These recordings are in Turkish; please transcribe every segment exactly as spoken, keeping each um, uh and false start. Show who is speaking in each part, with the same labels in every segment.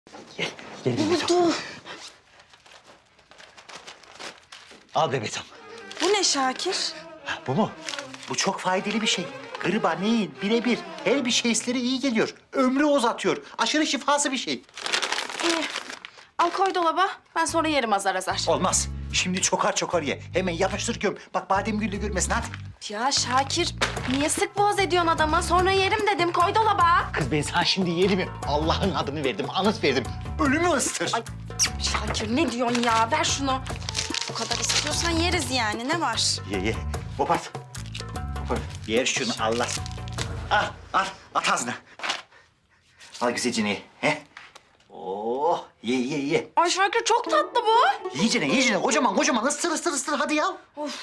Speaker 1: Gel, gel Bebetom.
Speaker 2: Oldu.
Speaker 1: Al Bebetom.
Speaker 2: Bu ne Şakir?
Speaker 1: Ha, bu mu? Bu çok faydalı bir şey. Gırba, neyin, birebir. Her bir şeysleri iyi geliyor. Ömrü uzatıyor. Aşırı şifası bir şey.
Speaker 2: İyi. Al koy dolaba. Ben sonra yerim azar azar.
Speaker 1: Olmaz. Şimdi çokar çokar ye. Hemen yapıştır göm. Bak Bademgül de görmesin hadi.
Speaker 2: Ya Şakir, niye sık boğaz ediyorsun adama? Sonra yerim dedim. Koy dolaba.
Speaker 1: Kız ben sana şimdi yerim. Allah'ın adını verdim, anıt verdim. Ölümü ıstır.
Speaker 2: Ay Şakir ne diyorsun ya? Ver şunu. Bu kadar istiyorsan yeriz yani. Ne var?
Speaker 1: Ye ye. Kopart. Kopart. Yer şunu Allah. Al, al. At ağzına. Al güzelce ye. He? Oh, ye ye ye.
Speaker 2: Ay Şakir çok tatlı bu.
Speaker 1: Yiyecene, yiyecene. Kocaman, kocaman. Isır, ısır, ısır. Hadi ya.
Speaker 2: Of.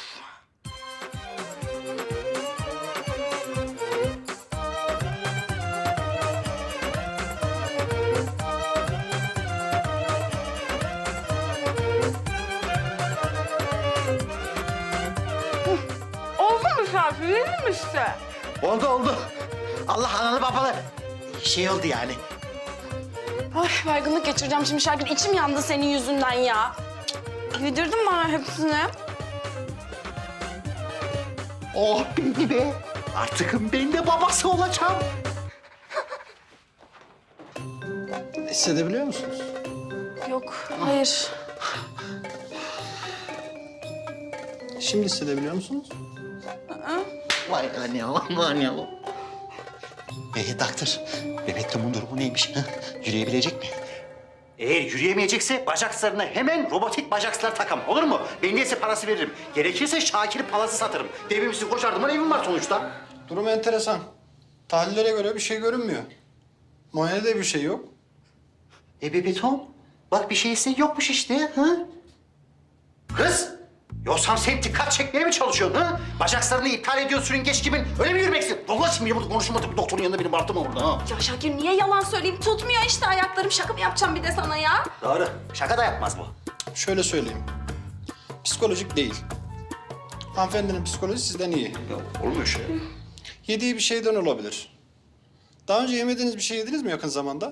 Speaker 2: Oldu mu Şakir? Yedin mi işte?
Speaker 1: Oldu, oldu. Allah analı babalı. Şey oldu yani.
Speaker 2: Ay baygınlık geçireceğim şimdi Şakir. İçim yandı senin yüzünden ya. Yedirdin bana hepsini.
Speaker 1: Oh beni be. Artık ben de babası olacağım.
Speaker 3: Hissedebiliyor musunuz?
Speaker 2: Yok, hayır.
Speaker 3: Şimdi hissedebiliyor musunuz?
Speaker 1: Vay anam, vay anam. Ee, doktor, Bebektom'un durumu neymiş? Ha? Yürüyebilecek mi? Eğer yürüyemeyecekse bacaklarına hemen robotik bacaklar takam. Olur mu? Ben neyse parası veririm. Gerekirse Şakir palası satırım. Devimsiz koşardım. Evim var sonuçta.
Speaker 3: Durum enteresan. Tahlillere göre bir şey görünmüyor. Muayenede bir şey yok.
Speaker 1: E Bebetom, bak bir şeyse yokmuş işte. Ha? Kız! Yoksa sen dikkat çekmeye mi çalışıyorsun ha? Bacaklarını iptal ediyorsun sürüngeç gibi. Öyle mi yürümeksin? Vallahi şimdi burada konuşmadık. Doktorun yanında benim bağırtma burada ha.
Speaker 2: Ya Şakir niye yalan söyleyeyim? Tutmuyor işte ayaklarım. Şaka mı yapacağım bir de sana ya?
Speaker 1: Doğru. Şaka da yapmaz bu.
Speaker 3: Şöyle söyleyeyim. Psikolojik değil. Hanımefendinin psikolojisi sizden iyi.
Speaker 1: Yok, olmuyor şey.
Speaker 3: Yediği bir şeyden olabilir. Daha önce yemediğiniz bir şey yediniz mi yakın zamanda?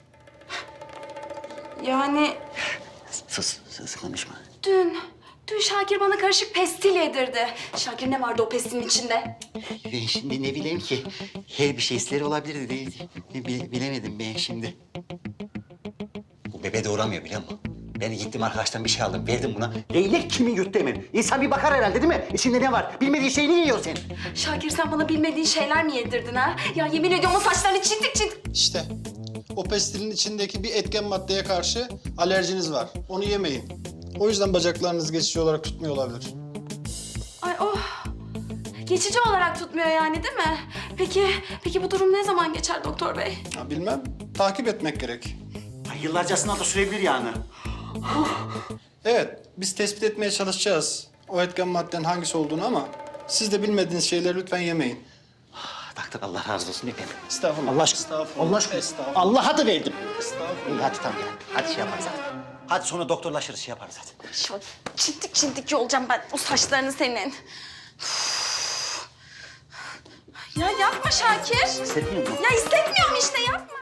Speaker 2: Yani
Speaker 1: Sus, sus konuşma.
Speaker 2: dün, dün Şakir bana karışık pestil yedirdi. Şakir ne vardı o pestilin içinde?
Speaker 1: Ben şimdi ne bileyim ki. Her bir şeysleri olabilirdi değil. Bil- bilemedim ben şimdi. Bu bebe doğuramıyor biliyor musun? Ben gittim arkadaştan bir şey aldım, verdim buna. Leylek kimi yuttu hemen? İnsan bir bakar herhalde değil mi? İçinde ne var? Bilmediği şeyi niye yiyorsun sen?
Speaker 2: Şakir sen bana bilmediğin şeyler mi yedirdin ha? Ya yemin ediyorum o saçlarını çintik çintik.
Speaker 3: İşte o pestilin içindeki bir etken maddeye karşı alerjiniz var. Onu yemeyin. O yüzden bacaklarınız geçici olarak tutmuyor olabilir.
Speaker 2: Ay oh. Geçici olarak tutmuyor yani değil mi? Peki, peki bu durum ne zaman geçer doktor bey?
Speaker 3: Ha, bilmem. Takip etmek gerek.
Speaker 1: Ay, yıllarcasına da sürebilir yani.
Speaker 3: Evet, biz tespit etmeye çalışacağız o etken maddenin hangisi olduğunu ama siz de bilmediğiniz şeyleri lütfen yemeyin.
Speaker 1: Doktor Allah razı olsun efendim.
Speaker 3: Estağfurullah.
Speaker 1: Allah aşkına.
Speaker 3: Estağfurullah.
Speaker 1: Allah aşkına.
Speaker 3: Estağfurullah.
Speaker 1: Allah'a da verdim.
Speaker 3: Estağfurullah.
Speaker 1: İyi hadi tamam ya. Hadi şey yaparız hadi. Hadi sonra doktorlaşırız şey yaparız hadi.
Speaker 2: Şu çintik çintik yolacağım ben o saçlarını senin. Üf. Ya yapma Şakir.
Speaker 1: Hissetmiyor musun?
Speaker 2: Ya hissetmiyorum işte yapma.